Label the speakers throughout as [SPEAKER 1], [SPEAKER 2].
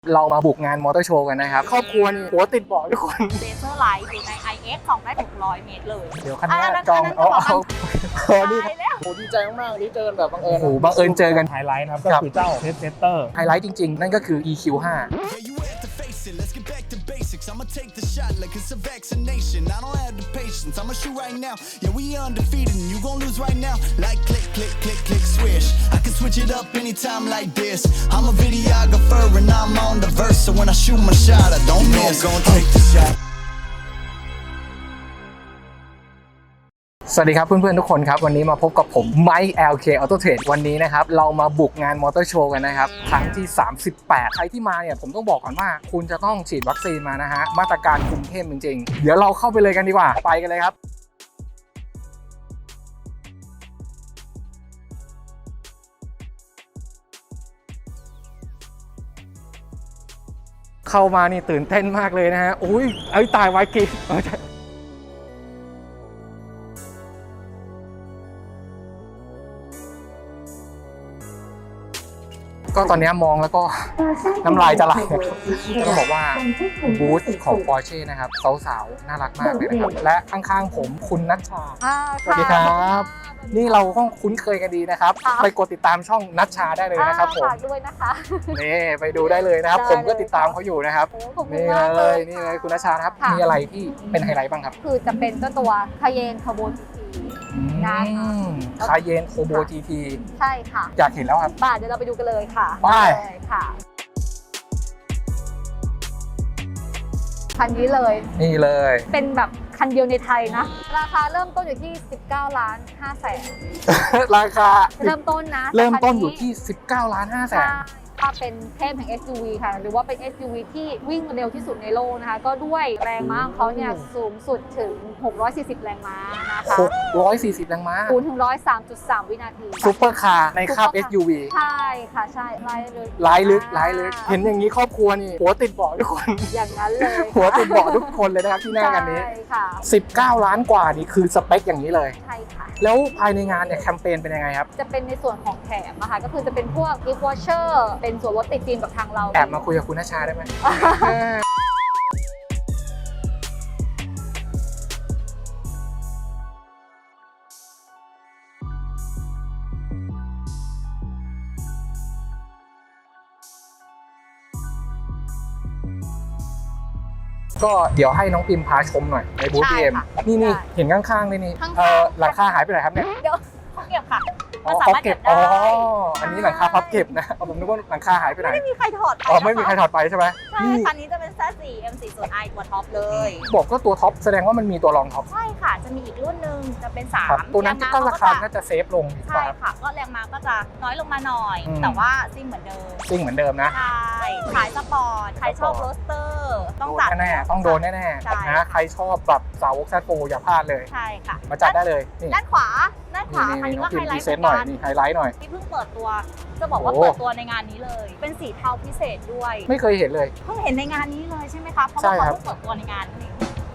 [SPEAKER 1] เรามาบุกงานมอเตอร์โชว์กันนะครับครอบครัวนี่หัวติดเบาะทุกคน
[SPEAKER 2] เลเซอร์ไลท์อยู่ใน IX 2ได้600 เมตรเลย
[SPEAKER 1] เดี๋ยวคันนี้จองนี่โหดีใจมากๆนี่เจอกันแบบบังเอิญโอ้บังเอิญเจอกัน
[SPEAKER 3] ไฮไลท์นะครับก็คือเจ้าเทสเตอร์
[SPEAKER 1] ไฮไลท์จริงๆนั่นก็คือ EQ5
[SPEAKER 4] Let's get back to basics. I'ma take the shot like it's a vaccination. I don't have the patience. I'ma shoot right now. Yeah, we undefeated and you gon' lose right now. Like click, click, click, click, swish. I can switch it up anytime like this. I'm a videographer and I'm on the verse. So when I shoot my shot, I don't miss. I'm gonna take the shot.
[SPEAKER 1] สวัสดีครับเพื่อนๆทุกคนครับวันนี้มาพบกับผมไมค์ LK Auto Trade วันนี้นะครับเรามาบุกงานมอเตอร์โชว์กันนะครับครั้งที่38ใครที่มาเนี่ยผมต้องบอกก่อนว่าคุณจะต้องฉีดวัคซีนมานะฮะมาตรการคุมเข้มจริงๆเดี๋ยวเราเข้าไปเลยกันดีกว่าไปกันเลยครับเข้ามานี่ตื่นเต้นมากเลยนะฮะอุ้ยตายไว้กี่ก็ตอนนี้มองแล้วก็น้ำลายจะไหลต้องบอกว่าบูธของ Porsche นะครับสาวๆน่ารักมากเลยนะครับและข้างๆผมคุณนัชชาสวัสดีครับนี่เราก็คุ้นเคยกันดีนะครับไปกดติดตามช่องนัชชาได้เลยนะครับผม
[SPEAKER 2] ด้วยนะคะ
[SPEAKER 1] นี่ไปดูได้เลยนะครับผมก็ติดตามเขาอยู่นะครับนี่เลยคุณนัชชาครับมีอะไรที่เป็นไฮไลท์บ้างครับ
[SPEAKER 2] คือจะเป็นเจ้าตัวคาเยนคาร์โบจี
[SPEAKER 1] คาเยนโคโบ GT
[SPEAKER 2] ใช่ค่ะ
[SPEAKER 1] อยากเห็นแล้วครับ
[SPEAKER 2] เดี๋ยวเราไปดูกันเลยค่ะ
[SPEAKER 1] ไป
[SPEAKER 2] ค่ะคันนี้เลย
[SPEAKER 1] นี่เลย
[SPEAKER 2] เป็นแบบคันเดียวในไทยนะราคาเริ่มต้นอยู่ที่19,500,000
[SPEAKER 1] ราคา
[SPEAKER 2] เริ่มต้นนะ
[SPEAKER 1] เริ่มต้นอยู่ที่19,500,000
[SPEAKER 2] ถ้าเป็นเทพแห่ง SUV ค่ะหรือว่าเป็น SUV ที่วิ่งเร็วที่สุดในโลกนะคะก็ด้วยแรงม้าของเขาเนี่ยสูงสุดถึง640แรงม้านะคะ
[SPEAKER 1] 640แรงม้า
[SPEAKER 2] 0 ถึง 103.3 วินาที
[SPEAKER 1] ซุปเปอร์คาร์ในคาบ SUV
[SPEAKER 2] ใช่ค่ะใช่ไล่
[SPEAKER 1] ลึกเห็นอย่างนี้ครอบครัวนี่หัวติดเบาะทุกคน
[SPEAKER 2] อย่างนั้นเลย
[SPEAKER 1] หัวติดเบาะทุกคนเลยนะครับที่หน้ากันนี้19 ล้านกว่านี่คือสเปคอย่างนี้เลย
[SPEAKER 2] ใช่ค่ะ
[SPEAKER 1] แล้วภายในงานเนี่ยแคมเปญเป็นยังไงครับ
[SPEAKER 2] จะเป็นในส่วนของแถมนะคะก็คือจะเป็นพวก gift voucher เป็นส่วนลดติดฟิล์มกับทางเรา
[SPEAKER 1] แอบมาคุยกับคุณนัชชาได้ไหมก็เดี๋ยวให้น้องพิมพาชมหน่อยในบูธ BM นี่เห็นข้างๆนี่หลังคาหายไปไหนครับเนี่ย
[SPEAKER 2] เดี๋ยวเขาเก็บค่ะ
[SPEAKER 1] พับเก็บอันนี้หลังคาพับเก็บนะผมนึกว่าหลังคาหายไปไหน
[SPEAKER 2] ไม่มีใครถอดไป
[SPEAKER 1] ไม่มีใครถอดไปใช่ไหม
[SPEAKER 2] ใช่คันนี้จะเป็น Z4 M40i ตัวท็อปเลย
[SPEAKER 1] บอกก็ตัวท็อปแสดงว่ามันมีตัวรองท็อป
[SPEAKER 2] ใช่ค่ะจะมีอีกรุ่นนึงจะเป็น3
[SPEAKER 1] ตัวนั้นก็ราคาน่าจะเซฟลง
[SPEAKER 2] ใช่ค่ะก็แรงม้าก็จะน้อยลงมาหน่อยแต่ว่าซิ่งเหมือนเดิมนะใช่ขายสปอร์ตใครชอบโรสเตอร์ต้องจัด
[SPEAKER 1] แน่ต้องโดนแน่ๆนะใครชอบแบบสาวกแซดโฟอย่าพลาดเลย
[SPEAKER 2] ใช่ค่ะ
[SPEAKER 1] มาจัดได้เลย
[SPEAKER 2] ด้านขวาอันนี้ก็ไฮไลท์
[SPEAKER 1] หน่อยนี่ไฮไลท์หน่อย
[SPEAKER 2] ที่เพิ่งเปิดตัวจะบอกว่าเปิดตัวในงานนี้เลยเป็นสีเทาพิเศษด้วย
[SPEAKER 1] ไม่เคยเห็นเลย
[SPEAKER 2] เพิ่งเห็นในงานนี้เลยใช่ไหมคะเพราะว่าเขาเพิ่งเปิดตัวในงานนี้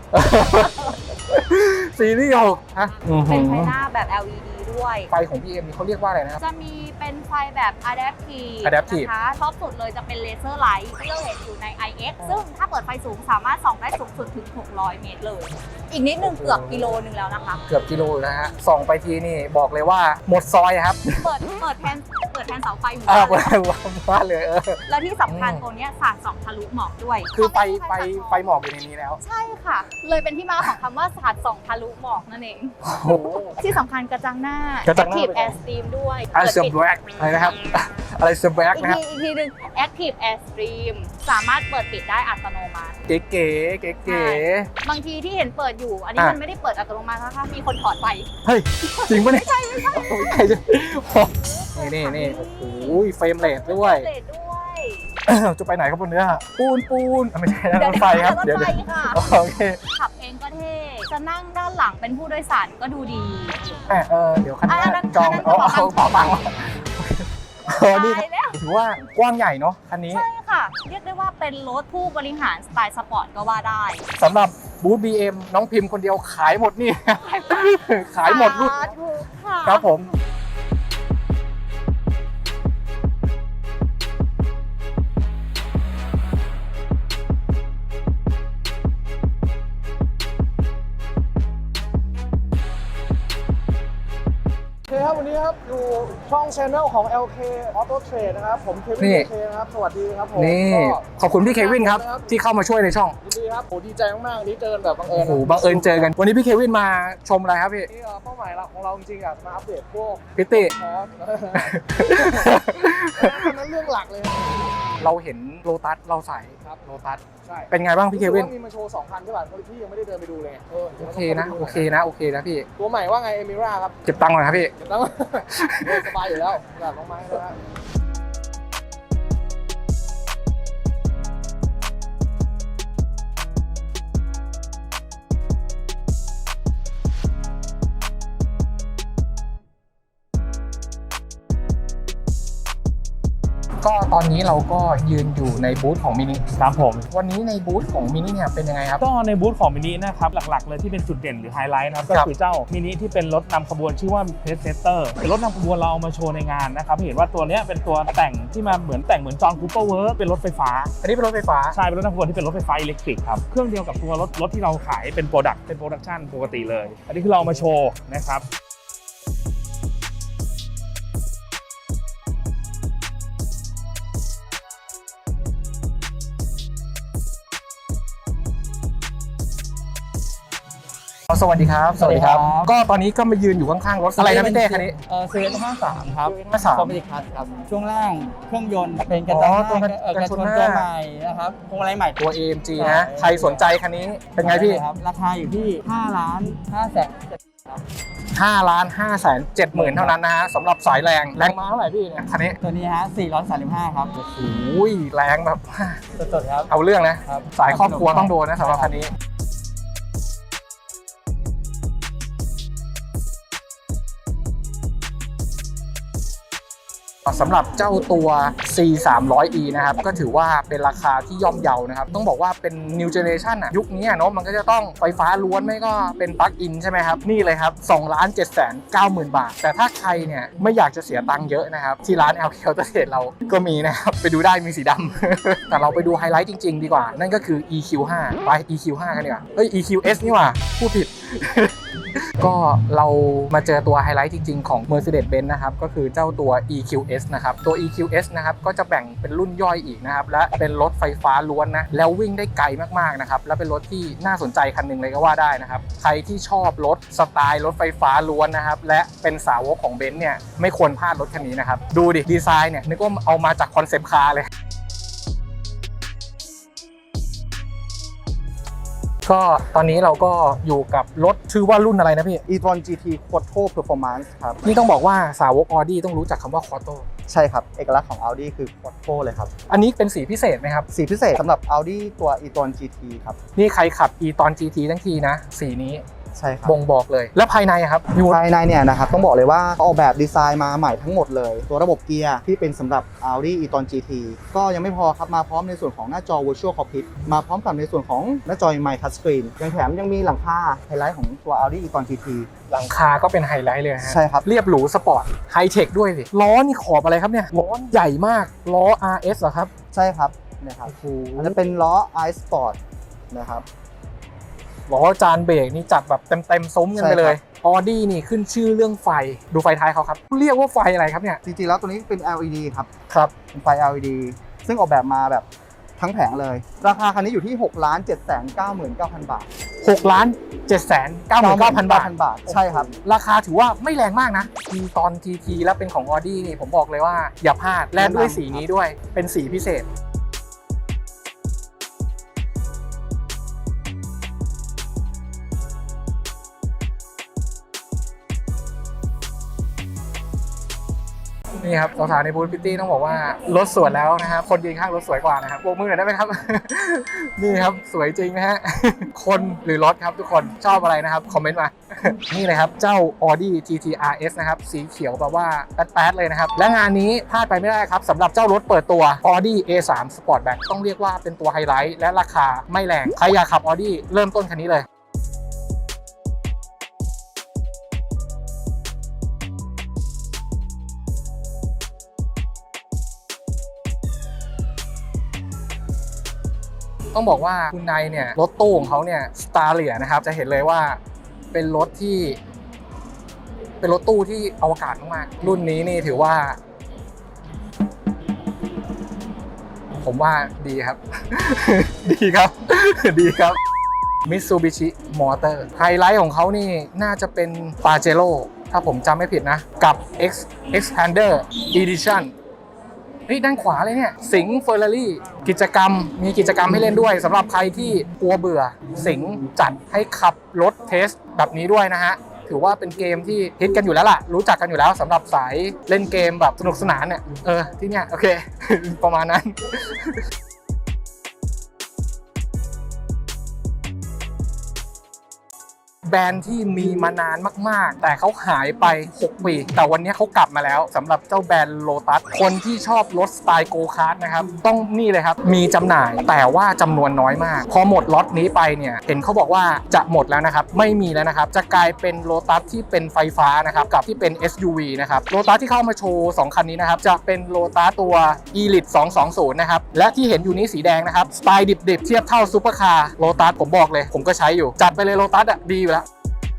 [SPEAKER 1] ซีรีส์6ฮะ
[SPEAKER 2] เป็นไฟหน้าแบบ LED ด้วย
[SPEAKER 1] ไฟของ BM นี่เขาเรียกว่าอะไรนะครับ
[SPEAKER 2] จะมีเป็นไฟแบบ Adaptive นะคะท็อปสุดเลยจะเป็นเลเซอร์ไลท์ที่เราเห็นอยู่ใน IX ซึ่งถ้าเปิดไฟสูงสามารถส่องได้สูงสุดถึง600 เมตรเลยอีกนิดนึงเกือบกิโลนึงแล้วนะคะ
[SPEAKER 1] เกือบกิโลนะฮะส่องไปทีนี่บอกเลยว่าหมดซอยครับ
[SPEAKER 2] เปิดแทนเสาไฟอยู่
[SPEAKER 1] เปิดบ้านเลย
[SPEAKER 2] แล้วที่สำคัญตัวนี้สาดส่องทะลุหมอกด้วย
[SPEAKER 1] คือไฟหมอกอยู่ในนี้แล้ว
[SPEAKER 2] ใช่ค่ะเลยเป็นที่มาของคำว่าสาดส่องทะลุหมอกนั่นเองที่สำคัญกระจังหน้า Active Air Stream ด้วย
[SPEAKER 1] อะไรนะครับอะไรเซอร์แบ็กนะครับ
[SPEAKER 2] อีกทีนึง Active Air Stream สามารถเปิดปิดได้อัตโนมัติ
[SPEAKER 1] เก๋
[SPEAKER 2] บางทีที่เห็นเปิดอยู่อันนี้มันไม่ได้เปิดอัตโนมัตินะคะมีคนถอดไป
[SPEAKER 1] เฮ้ยจริงปะเนี่ย
[SPEAKER 2] ไม่ใช่
[SPEAKER 1] นี่โอ้โหเฟรมเรทด้วยจะไปไหนครับบนเนื้อปูนไม่ใช่นะรถไฟครับ
[SPEAKER 2] เดี๋ยว
[SPEAKER 1] โอเค
[SPEAKER 2] ขับเองก็เท่จะนั่งด้านหลังเป็นผู้โดยสารก็ดูดี
[SPEAKER 1] เดี๋ยวคันนี้จองเอาบังนี่ถือว่ากว้างใหญ่เนาะคันนี้
[SPEAKER 2] ใช่ค่ะเรียกได้ว่าเป็นรถผู้บริหารสไตล์สปอร์ตก็ว่าได้
[SPEAKER 1] สำหรับบูธ BM น้องพิมพ์คนเดียวขายหมดนี่ขายหมดรุ่นครับผม
[SPEAKER 3] ครับวันนี้ครับอยู่ช่อง Channel ของ LK Auto Trade นะครับผมเควิน LK นะครับสวัสดีครับผม
[SPEAKER 1] นี่ขอบคุณพี่เควินครับที่เข้ามาช่วยในช่อง
[SPEAKER 3] ยินดีครับโหดีใจมากๆนี้เจอกันแบบบังเอิญ
[SPEAKER 1] โอ้โหบังเอิญเจอกันวันนี้พี่เควินมาชมอะไรครับพี่
[SPEAKER 3] นี่เป้าหมายหลักของเราจริงๆอ่ะมาอัปเดตพวก
[SPEAKER 1] พิตตี้
[SPEAKER 3] คอร์สนั้นเรื่องหลักเลย
[SPEAKER 1] เราเห็นโลตัสเราใส่
[SPEAKER 3] ครับ
[SPEAKER 1] โลตัส
[SPEAKER 3] ใช่
[SPEAKER 1] เป็นไงบ้างพี่เควิน
[SPEAKER 3] มีมาโชว์2 คันใช่ป่ะพี่ยังไม่ได้เดินไปดูเลย
[SPEAKER 1] โอเคนะโอเคนะโอเคนะพี่
[SPEAKER 3] ตัวใหม่ว่าไงเอมิราครับ
[SPEAKER 1] เก็บตังค์ก่อนครับพี่
[SPEAKER 3] เดี๋ยวต้องสบายอยู่แล้วแบบลงมาให้แล้ว
[SPEAKER 1] ก็ตอนนี้เราก็ยืนอยู่ในบูธของมินิ
[SPEAKER 3] ครับผม
[SPEAKER 1] วันนี้ในบูธของมินิเนี่ยเป็นยังไงครับ
[SPEAKER 3] ก็ในบูธของมินินะครับหลักๆเลยที่เป็นจุดเด่นหรือไฮไลท์นะครับก็
[SPEAKER 1] ครับ
[SPEAKER 3] คือเจ้ามินิที่เป็นรถนำขบวนชื่อว่าเพสเซเตอร์เป็นรถนำขบวนเราเอามาโชว์ในงานนะครับเห็นว่าตัวเนี้ยเป็นตัวแต่งที่มาเหมือนจอห์นคูเปอร์เวิร์เป็นรถไฟฟ้า
[SPEAKER 1] อันนี้เป็นรถไฟฟ้า
[SPEAKER 3] ใช่เป็นรถนำขบวนที่เป็นรถไฟฟ้าอิเล็กทริกครับเครื่องเดียวกับตัวรถที่เราขายเป็นโปรดักชั่นปกติเลย อันนี้คือเราเอามาโชว์นะครับ
[SPEAKER 1] สวัสดีครับ
[SPEAKER 5] สวัสดีครับ
[SPEAKER 1] ก็ตอนนี้ก็มายืนอยู่ข้างๆรถอะไรนะพี่เต้คันนี้
[SPEAKER 5] เซเว่น53ครับ
[SPEAKER 1] 53
[SPEAKER 5] คอมพิวคัสครับ ช่วงล่างเครื่องยนต์เป็นกระจังห
[SPEAKER 1] ตัว
[SPEAKER 5] น้าก
[SPEAKER 1] ระชนหน้า
[SPEAKER 5] ตัวใหม่นะครับพวงมาลัยใหม่
[SPEAKER 1] ตัว AMG
[SPEAKER 5] ใช่
[SPEAKER 1] นะใครสนใจคันนี้เป็นไงพี่
[SPEAKER 5] ครับราคาอยู่ที่
[SPEAKER 1] 5,570,000 เท่านั้นนะฮะสำหรับสายแรงมาเท่าไหร่พี่เนี่ยคันนี้
[SPEAKER 5] ตัวนี้ฮะ435ครับ
[SPEAKER 1] โอ้ยแรงแบบ
[SPEAKER 5] สดๆครับ
[SPEAKER 1] เอาเรื่องนะ
[SPEAKER 5] ครับ
[SPEAKER 1] สายครอบครัวต้องโดนนะสำหรับคันนี้สำหรับเจ้าตัว C300E นะครับก็ถือว่าเป็นราคาที่ย่อมเยานะครับต้องบอกว่าเป็น New Generation อ่ะยุคนี้เนาะมันก็จะต้องไฟฟ้าล้วนไม่ก็เป็นปลั๊กอินใช่ไหมครับนี่เลยครับ 2,790,000 บาท แต่ถ้าใครเนี่ยไม่อยากจะเสียตังค์เยอะนะครับที่ร้าน LK Auto Trade เราก็มีนะครับไปดูได้มีสีดำ แต่เราไปดูไฮไลท์จริงๆดีกว่านั่นก็คือ EQ5 ไป EQ5 กันดีกว่าเอ้ย EQS นี่หว่าพูดผิด ก็เรามาเจอตัวไฮไลท์จริงๆของ Mercedes-Benz นะครับก็คือเจ้าตัว EQS นะครับตัว EQS นะครับก็จะแบ่งเป็นรุ่นย่อยอีกนะครับและเป็นรถไฟฟ้าล้วนนะแล้ววิ่งได้ไกลมากๆนะครับและเป็นรถที่น่าสนใจคันหนึ่งเลยก็ว่าได้นะครับใครที่ชอบรถสไตล์รถไฟฟ้าล้วนนะครับและเป็นสาวกของเบนซ์เนี่ยไม่ควรพลาดรถคันนี้นะครับดูดิดีไซน์เนี่ยนึกว่าเอามาจากคอนเซปต์คาร์เลยก็ตอนนี้เราก็อยู่กับรถชื่อว่ารุ่นอะไรนะพี่
[SPEAKER 6] e-tron GT Quattro Performance ครับ
[SPEAKER 1] นี่ต้องบอกว่าสาวก Audi ต้องรู้จักคำว่า Quattro
[SPEAKER 6] ใช่ครับ เอกลักษณ์ของ Audi คือ Quattro เลยครับ
[SPEAKER 1] อันนี้เป็นสีพิเศษไหมครับ
[SPEAKER 6] สีพิเศษสำหรับ Audi ตัว e-tron GT ครับ
[SPEAKER 1] นี่ใครขับ e ตอน GT ทั้งทีนะ สีนี้
[SPEAKER 6] ใช่ครับ
[SPEAKER 1] บ่งบอกเลย แล้วภายในอะครับยู
[SPEAKER 6] ภายในเนี่ยนะครับต้องบอกเลยว่าออกแบบดีไซน์มาใหม่ทั้งหมดเลย ตัวระบบเกียร์ที่เป็นสำหรับ Audi e-tron GT ก็ยังไม่พอครับมาพร้อมในส่วนของหน้าจอ Virtual Cockpit มาพร้อมกับในส่วนของหน้าจอ My Touchscreen ยังแถมยังมีหลังคาไฮไลท์ของตัว Audi e-tron GT
[SPEAKER 1] หลังคาก็เป็นไฮไลท์เลยฮะ
[SPEAKER 6] ใช่ครับ
[SPEAKER 1] เรียบหรูสปอร์ตไฮเทคด้วยสิล้อนี่ขอบอะไรครับเนี่ยล้อใหญ่มากล้อ RS เหรอครับ
[SPEAKER 6] ใช่ครับเนี่ยครับ
[SPEAKER 1] โอ้โห
[SPEAKER 6] อันนั้นเป็นล้อ iSport นะครับ
[SPEAKER 1] ล้อจานเบรกนี่จัดแบบเต็มซุ้มกันไปเลย Audi นี่ขึ้นชื่อเรื่องไฟดูไฟท้ายเขาครับเรียกว่าไฟอะไรครับเนี่ย
[SPEAKER 6] จริงๆแล้วตัวนี้เป็น LED ครับ
[SPEAKER 1] ครับ
[SPEAKER 6] เป็นไฟ LED ซึ่งออกแบบมาแบบทั้งแผงเลย ราคาคันนี้อยู่ที่ 6,799,000 บาท
[SPEAKER 1] 6,799,000 บาท
[SPEAKER 6] บาท ใช่ครับ
[SPEAKER 1] ราคาถือว่าไม่แรงมากนะทีตอน GT แล้วเป็นของ Audi นี่ผมบอกเลยว่าอย่าพลาดและด้วยสีนี้ด้วยเป็นสีพิเศษนี่ครับสาวๆในบูธพิตตี้ต้องบอกว่ารถสวยแล้วนะครับคนยืนข้างรถสวยกว่านะครับโบกมือหน่อยได้ไหมครับ นี่ครับสวยจริงนะฮะ คนหรือรถครับทุกคนชอบอะไรนะครับคอมเมนต์มา นี่เลยครับเจ้า Audi GT RS นะครับสีเขียวแบบว่าแป๊ดๆเลยนะครับและงานนี้พลาดไปไม่ได้ครับสำหรับเจ้ารถเปิดตัว Audi A3 Sportback ต้องเรียกว่าเป็นตัวไฮไลท์และราคาไม่แรงใครอยากขับ Audi เริ่มต้นคันนี้เลยต้องบอกว่าคุณนายเนี่ยรถตู้ของเขาเนี่ยสตาร์เลียนะครับจะเห็นเลยว่าเป็นรถที่เป็นรถตู้ที่อวกาศมากๆรุ่นนี้นี่ถือว่า ผมว่าดีครับ ดีครับ ดีครับ Mitsubishi Motor ไฮไลท์ของเขานี่น่าจะเป็น Pajero ถ้าผมจำไม่ผิดนะ กับ Xpander Edition เฮ้ยด้านขวาเลยเนี่ยสิงห์เฟอร์รารี่กิจกรรมมีกิจกรรมให้เล่นด้วยสำหรับใครที่กลัวเบื่อสิงห์จัดให้ขับรถเทสแบบนี้ด้วยนะฮะถือว่าเป็นเกมที่ฮิตกันอยู่แล้วล่ะรู้จักกันอยู่แล้วสำหรับสายเล่นเกมแบบสนุกสนานเนี่ยที่เนี่ยโอเค ประมาณนั้น แบรนด์ที่มีมานานมากๆแต่เขาหายไป6ปีแต่วันนี้เขากลับมาแล้วสำหรับเจ้าแบรนด์โลตัสคนที่ชอบรถสไตล์โกคาร์ทนะครับต้องนี่เลยครับมีจำหน่ายแต่ว่าจำนวนน้อยมากพอหมดล็อตนี้ไปเนี่ยเห็นเขาบอกว่าจะหมดแล้วนะครับไม่มีแล้วนะครับจะกลายเป็นโลตัสที่เป็นไฟฟ้านะครับกับที่เป็น SUV นะครับโลตัสที่เข้ามาโชว์2คันนี้นะครับจะเป็นโลตัสตัว Elite 220นะครับและที่เห็นอยู่นี้สีแดงนะครับสไตล์ดิบๆเทียบเท่าซุปเปอร์คาร์โลตัสผมบอกเลยผมก็ใช้อยู่จัดไปเลยโลตัสอ่ะดีอยู่แล้ว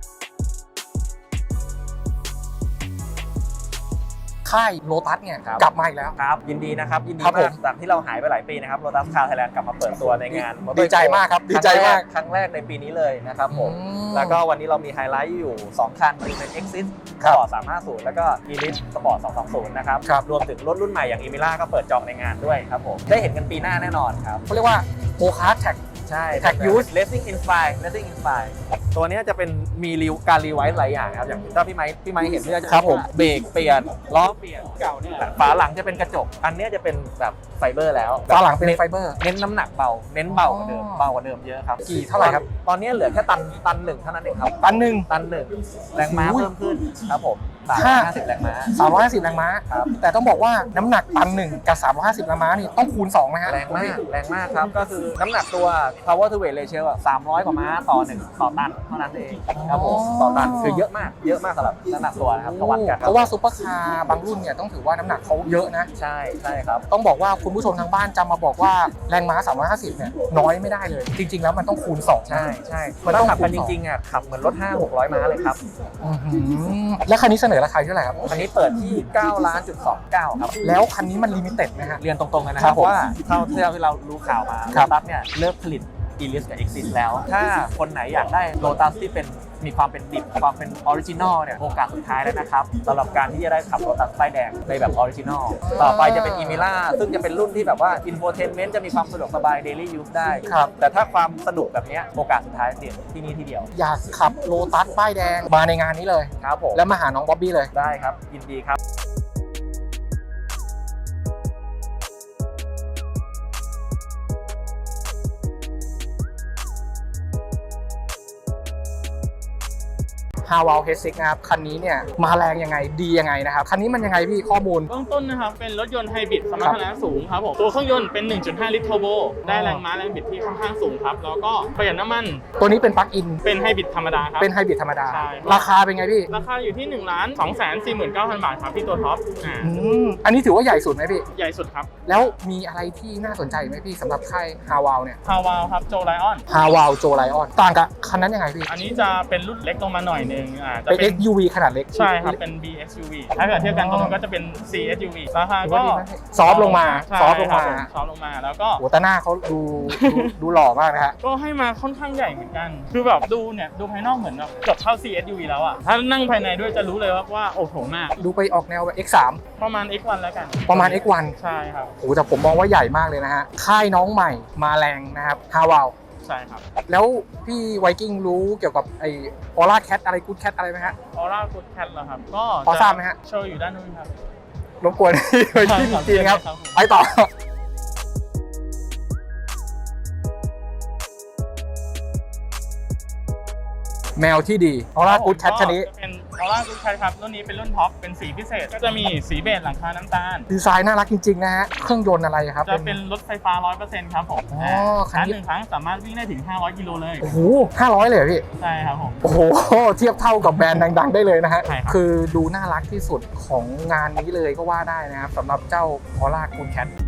[SPEAKER 1] ค่ายโลตัสเนี่ยกลับมาอีกแล้ว
[SPEAKER 7] ครับยินดีนะครับยินดี
[SPEAKER 1] ครับผม
[SPEAKER 7] าม กจากที่เราหายไปหลายปีนะครับโรตัสคาร์ไทยแลนด์กลับมาเปิดตัวในงาน Motor
[SPEAKER 1] ดีใจมากครับดีใจมาก
[SPEAKER 7] ครั้งแรกในปีนี้เลยนะครับผม
[SPEAKER 1] อืม
[SPEAKER 7] แล้วก็วันนี้เรามีไฮไลท์อยู่ 2 คันคือเป็น Exit
[SPEAKER 1] ครับ
[SPEAKER 7] Sport 350 แล้วก็ Elite Sport 220 นะครับ
[SPEAKER 1] ครับ
[SPEAKER 7] รวมถึงรถรุ่นใหม่อย่าง Emira ก็เปิดจองในงานด้วยครับผมได้เห็นกันปีหน้าแน่นอนครับ
[SPEAKER 1] เขาเรียกว่าโกคาร์ทแท็ก
[SPEAKER 7] ใช่
[SPEAKER 1] Tag Use
[SPEAKER 7] Racing Inspire Racing Inspire ตัวเนี้ยจะเป็นมีการรีไวซ์หลายอย่างครับอย่างถ้าพี่ไม้เห็นเนี่ยจะ
[SPEAKER 1] ครับผม
[SPEAKER 7] เบรกเปลี่ยนล้อเปลี่ยนเก่าเนี่ยฝาหลังจะเป็นกระจกอันเนี้ยจะเป็นแบบไฟเบอร์แล้ว
[SPEAKER 1] ฝาหลังเป็นไฟเบอร์
[SPEAKER 7] เน้นน้ำหนักเบาเน้นเบากว่าเดิมเยอะครับ
[SPEAKER 1] กี่เท่าไหร่ครับ
[SPEAKER 7] ตอนนี้เหลือแค่ตันหนึ่งเท่านั้นเองครับ
[SPEAKER 1] ตันหนึ่ง
[SPEAKER 7] ตันหนึ่งแรงม้า
[SPEAKER 1] อุ้ย
[SPEAKER 7] เพิ่มขึ้นครับผม
[SPEAKER 1] ห้า
[SPEAKER 7] 350แรงม้า
[SPEAKER 1] 350 แรงม้า
[SPEAKER 7] ครับ
[SPEAKER 1] แต่ต้องบอกว่าน้ำหนักตันหนึ่งกับ 350 แรงม้านี่ต้องคูณ2ไหมฮะ
[SPEAKER 7] แรงมากครับก็คือน้ำหนักตัว power to weight ratio อะ300 กว่าม้าต่อตันเท่านั้นเองครับผมต่อตันคือเยอะมากสำหรับน้ำหนักตัวนะครับถ้าวัดกัน
[SPEAKER 1] เพราะว่าซุปเปอร์คาร์บางรุ่นเนี่ยต้องถือว่าน้ำหนักเขาเยอะนะ
[SPEAKER 7] ใช่ครับ
[SPEAKER 1] ต้องบอกว่าคุณผู้ชมทางบ้านจำมาบอกว่าแรงม้า 350 เนี่ยน้อยไม่ได้เลย จริง ๆ แล้วมันต้องคูณ2
[SPEAKER 7] ใช่
[SPEAKER 1] มัน
[SPEAKER 7] ถ้า
[SPEAKER 1] ต้อง
[SPEAKER 7] ขับกัน
[SPEAKER 1] คูณ
[SPEAKER 7] จริงๆอ่ะขับเหมือนรถ 500-600 ม้าเลยครับ
[SPEAKER 1] อื้อหือแล้วคันนี้เสนอราคาเท่าไหร่ครับ
[SPEAKER 7] อันนี้เปิดที่9,29,000,000ครับ
[SPEAKER 1] แล้วคันนี้มันลิมิเต็ดนะฮะ
[SPEAKER 7] เรียนตรงๆเลยนะค
[SPEAKER 1] ครั
[SPEAKER 7] รั
[SPEAKER 1] บบ ผม
[SPEAKER 7] ว่าเท่าที่เรารู้ข่าวมา
[SPEAKER 1] ครับ
[SPEAKER 7] โลตัสเนี่ยเลิกผลิต Elite กับ Exit แล้ว ถ้าคนไหนอยากได้โลตัสที่มีความเป็นดิบความเป็นออริจินอลเนี่ยโอกาสสุดท้ายแล้วนะครับสำหรับการที่จะได้ขับโลตัสป้ายแดงในแบบออริจินอลต่อไปจะเป็น Emira ซึ่งจะเป็นรุ่นที่แบบว่า infotainment จะมีความสะดวกสบาย daily use ได้
[SPEAKER 1] ครับ
[SPEAKER 7] แต่ถ้าความสนุกแบบเนี้ยโอกาสสุดท้ายเด่นที่นี่ที่เดียว
[SPEAKER 1] อยากขับโลตัสป้ายแดงมาในงานนี้เลย
[SPEAKER 7] ครับผม
[SPEAKER 1] แล้วมาหาน้องบ๊อบบี้เลย
[SPEAKER 7] ได้ครับยินดีครับ
[SPEAKER 1] ฮาวาลเฮดซิกนะครับคันนี้เนี่ยมาแรงยังไงดียังไงนะครับคันนี้มันยังไงพี่ข้อมูล
[SPEAKER 8] เบื้องต้นนะครับเป็นรถยนต์ไฮบริดสมรรถนะสูงครับผมตัวเครื่องยนต์เป็น 1.5 ลิตรเทอร์โบได้แรงม้าแรงบิดที่ค่อนข้างสูงครับแล้วก็ประหยัดน้ำมัน
[SPEAKER 1] ตัวนี้เป็นปลั๊กอิน
[SPEAKER 8] เป็นไฮบริดธรรมดาครับ
[SPEAKER 1] เป็นไฮบริดธรรมดา
[SPEAKER 8] ใช่
[SPEAKER 1] ราคาเป็นไงพี่
[SPEAKER 8] ราคาอยู่ที่ 1,249,000 บาทครับที่ตัวท็อป
[SPEAKER 1] อันนี้ถือว่าใหญ่สุดไหมพี่
[SPEAKER 8] ใหญ่สุดครับ
[SPEAKER 1] แล้วมีอะไรที่น่าสนใจไหมพี่สำหรับค่ายฮาวาลเนี่ย
[SPEAKER 8] ฮาวาวครับโจไลออน
[SPEAKER 1] ฮาวาลโจไลออนต่างกับคันนั้นยังไงพี่
[SPEAKER 8] อันนี้จะเป็นรุ่นเล็กลงมาหน่อยนึงจะ
[SPEAKER 1] เป็น
[SPEAKER 8] เป็น
[SPEAKER 1] SUV ขนาดเล็ก
[SPEAKER 8] ใช่ครับเป็น BSUV ถ้าเกิดเทียบกันตรงนั้นก็จะเป็น CSUV ราคา
[SPEAKER 1] ถือ
[SPEAKER 8] ก็
[SPEAKER 1] ว่าดีนะพี่ซอฟต์ลงมา
[SPEAKER 8] ใช่
[SPEAKER 1] ซอฟต์ลงมา
[SPEAKER 8] ครับผซอฟต์ลงมาแล้วก็
[SPEAKER 1] โหแต่หน้าเขาดูหล่อมากนะฮะ
[SPEAKER 8] ก็ให้มาค่อนข้างใหญ่เหมือนกัน คือแบบดูภายนอกเหมือนแบบเกือบเท่า CSUV แล้วอะถ้านั่งภายในด้วยจะรู้เลยว่าโอ้โหมาก
[SPEAKER 1] ดูไปออกแนวแบบ X3
[SPEAKER 8] ประมาณ X1 แล้วกัน
[SPEAKER 1] ประมาณ X1
[SPEAKER 8] ใช่ครับ
[SPEAKER 1] โอ้แต่ผมมองว่าใหญ่มากเลยนะฮะค่ายน้องใหม่มาแรงนะครับฮาวาล
[SPEAKER 8] ใช่ครับ
[SPEAKER 1] แล้วพี่ไวกิ้งรู้เกี่ยวกับไอออร่าแคทอะไรกูดแคทอะไรไหมฮะ
[SPEAKER 8] ออร่ากูดแคทเหรอครับ ก็
[SPEAKER 1] พอทราบไหมฮะ
[SPEAKER 8] โชว์อยู่ด้านนู้นครับ
[SPEAKER 1] รบกวนพี่ไวกิ้งจริงๆครับ
[SPEAKER 8] ผม
[SPEAKER 1] ไปต่อ แมวที่ดีออร่ากูดแคทชนิด
[SPEAKER 8] จะเป็นออร่ากูดแคทครับรุ่นนี้เป็นรุ่นท็อปเป็นสีพิเศษ ก็จะมีสีเบจหลังคาน้ำตาล
[SPEAKER 1] ดีไซน์น่ารักจริงๆนะฮะเครื่องยนต์อะไรครับ
[SPEAKER 8] จะเป็นรถไฟฟ้า 100% ครับผม
[SPEAKER 1] อ๋อคัน
[SPEAKER 8] ชาร์จ
[SPEAKER 1] นี้
[SPEAKER 8] หนึ่งครั้งสามารถวิ่งได้ถึง 500 กิโลเลย
[SPEAKER 1] โอ้โห500เลยเหรอพี่
[SPEAKER 8] ใช่ครับผม
[SPEAKER 1] โอ้โหเทียบเท่ากับแบรนด์ดังๆได้เลยนะฮะ
[SPEAKER 8] ใช่ครับ
[SPEAKER 1] คือดูน่ารักที่สุดของงานนี้เลยก็ว่าได้นะครับสำหรับเจ้าออร่ากูดแคท